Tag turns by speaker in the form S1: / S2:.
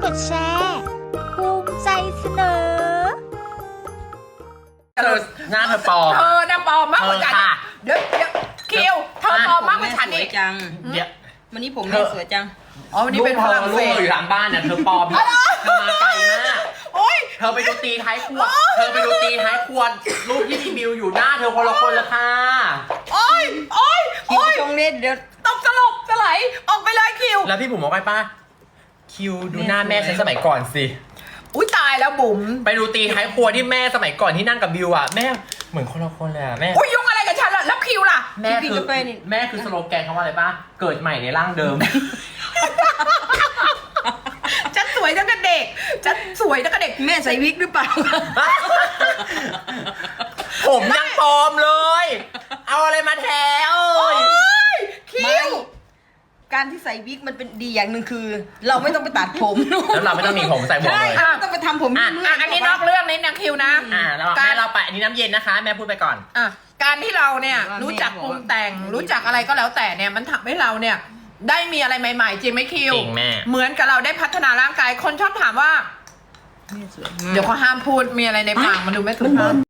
S1: ดแชร์ภูมิใจเสนอ
S2: เธอหน้าเธอปลอม
S3: เธอน่ะปลอมมากกว่าฉัน
S2: ค่ะ
S3: เดี๋ยวคิวเธอปลอมมากกว่าฉัน
S4: สว
S3: อี
S4: ย
S3: ก
S4: จัง
S2: เดี๋ยว
S4: วันนี้ผมแม่สวยจัง
S3: อ๋อวันนี้เป็นฝรั่ง
S2: ลู
S3: เศ
S2: ก
S3: ส
S2: อยู่หลังบ้านเนี่ยเธอปลอมเธอมาไกลมาก
S3: โอ๊ย
S2: เธอไปดูตีท้ายครัวเธอไปดูตีท้ายครัวรูปที่มีบิวอยู่หน้าเธอคนละคนละค่ะ
S3: โอ๊ยโอ๊ย
S4: คิว
S3: โอ๊ย
S4: ชงเล่นเดี๋ยว
S3: ตกสลบสลายออกไปเลยคิว
S2: แล้วพี่บุ๋มบอกไปป้าคิวดูหน้าแม่ฉันสมัยก่อนสิ
S3: อุ้ยตายแล้วบุ๋ม
S2: ไปดูตีท้ายครัวที่แม่สมัยก่อนที่นั่งกับบิวอ่ะแม่เหมือนคนละคนเลยอ่ะแม่
S3: อุ้ยยุ่งอะไรกับฉันล่ะแล้วคิวล่ะ
S2: แม่คือสโลแกนเขาว่าอะไรป้าเกิดใหม่ในร่างเดิม
S3: ฉันสวยตั้งแต่เด็กฉันสวยตั้งแต่เด็ก
S4: แม่ใส่วิกหรือเปล่า
S2: ผมยังปลอมเลย เอาอะไรมาแทน
S3: โอ๊ยคิ
S4: ไม่
S3: ว
S4: การที่ใส่วิกมันเป็นดีอย่างหนึ่งคือ เราไม่ต้องไปตัดผม
S2: แล้วเราไม่ต้องมีผมใส่หมวก
S4: ใช่
S2: เลย
S4: ไม่ต้องไปทำผม
S3: อ่ะ
S4: เรื่
S3: อ่ะ
S4: ยๆ
S3: อันนี้นอกเรื่องนี้นะคิวนะ
S2: เรา
S3: การ
S2: แม่เราไปอันนี้น้ำเย็นนะคะ แม่พูดไปก่อน
S3: อ่ะการที่เราเนี่ย
S4: ว่า
S3: รู้จัก
S4: แม่
S3: ป
S4: บอก
S3: รุงแต่งรู้จักอะไรก็แล้วแต่เนี่ยมันทำให้เราเนี่ยได้มีอะไรใหม่ๆจริงไหมคิว
S2: จริงแม่
S3: เหมือนกับเราได้พัฒนาร่างกายคนชอบถามว่า
S4: แม่สวยมาก
S3: เดี๋ยวเขาห้ามพูดมีอะไรในปากมันดูไม่ถูกต้อง